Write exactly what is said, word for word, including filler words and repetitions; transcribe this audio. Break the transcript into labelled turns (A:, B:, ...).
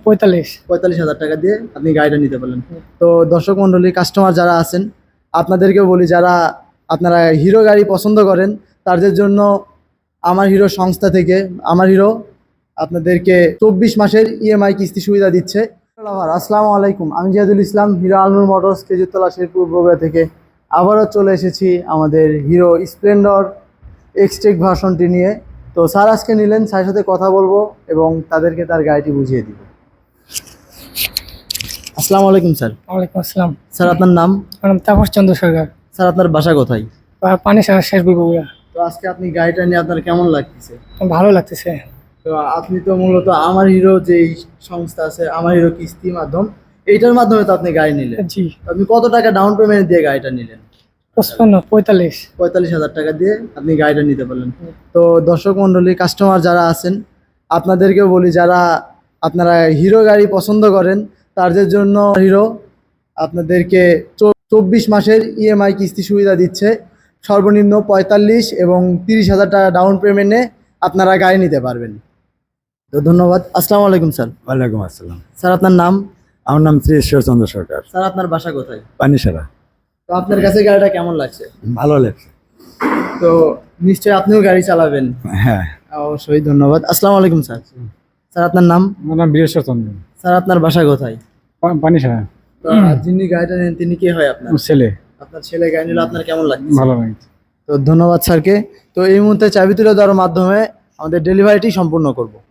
A: পঁয়তাল্লিশ
B: পঁয়তাল্লিশ হাজার টাকা দিয়ে আপনি গাড়িটা নিতে পারলেন। তো দর্শক মণ্ডলী, কাস্টমার যারা আছেন আপনাদেরকেও বলি, যারা আপনারা হিরো গাড়ি পছন্দ করেন তাদের জন্য আমার হিরো সংস্থা থেকে আমার হিরো আপনাদেরকে চব্বিশ মাসের ইএমআই কিস্তি সুবিধা দিচ্ছে। আসসালামু আলাইকুম, আমি জিয়াদুল ইসলাম, হিরো আলনুর মোটরস খেজুরতলা শেরপুর বগুড়া থেকে আবারও চলে এসেছি আমাদের হিরো স্প্লেন্ডর এক্সটেক ভার্সনটি নিয়ে। তো স্যার আজকে নিলেন, স্যারের সাথে কথা বলবো এবং তাদেরকে তার গাড়িটি বুঝিয়ে দিব। আসসালামু আলাইকুম স্যার।
A: ওয়ালাইকুম আসসালাম।
B: স্যার আপনার নাম?
A: আমার নাম তাপস চন্দ্র সরকার।
B: স্যার আপনার বাসা কোথায়?
A: পানি সারা শেরপুর বগুড়া।
B: তো আজকে আপনি গাড়িটা নিয়ে আপনার কেমন লাগতেছে?
A: ভালো লাগতেছে।
B: তো আপনি তো মূলত আমার হিরো যে সংস্থা আছে, আমার হিরো কিস্তি মাধ্যম, এইটার মাধ্যমে তো আপনি গাড়ি নিলেন।
A: জি।
B: আপনি কত টাকা ডাউন পেমেন্ট দিয়ে গাড়িটা নিলেন?
A: পঁচপান্ন পঁয়তাল্লিশ
B: পঁয়তাল্লিশ হাজার টাকা দিয়ে আপনি গাড়িটা নিতে পারলেন। তো দর্শক মণ্ডলী, কাস্টমার যারা আছেন আপনাদেরকেও বলি, যারা আপনারা হিরো গাড়ি পছন্দ করেন তাদের জন্য হিরো আপনাদেরকে চব্বিশ মাসের ইএমআই কিস্তি সুবিধা দিচ্ছে। সর্বনিম্ন পঁয়তাল্লিশ এবং তিরিশ হাজার টাকা ডাউন পেমেন্টে আপনারা গাড়ি নিতে পারবেন। তো ধন্যবাদ। আসসালামু আলাইকুম স্যার।
C: ওয়ালাইকুম আসসালাম।
B: স্যার আপনার নাম?
C: আমার নাম শ্রী ঈশ্বরচন্দ্র সরকার।
B: স্যার আপনার বাসা কোথায়?
C: পানিসারা।
B: তো আপনার কাছে গাড়িটা কেমন লাগছে?
C: ভালো লাগছে।
B: তো নিশ্চয়ই আপনিও গাড়ি চালাবেন।
C: হ্যাঁ,
B: অবশ্যই। ধন্যবাদ। আসসালামু আলাইকুম স্যার। স্যার আপনার নাম?
C: আমার নাম বীরেশ্বরচন্দ্র।
B: স্যার আপনার বাসা কোথায়?
C: পানিসারা।
B: তো যিনি গাড়িটা নেন তিনি কে হয় আপনার?
C: ছেলে।
B: আপনার ছেলে গাড়ি নিলে আপনার কেমন লাগছে?
C: ভালো লাগছে।
B: তো ধন্যবাদ স্যারকে। তো এই মুহূর্তে চাবি তুলে দেওয়ার মাধ্যমে আমাদের ডেলিভারিটি সম্পূর্ণ করব।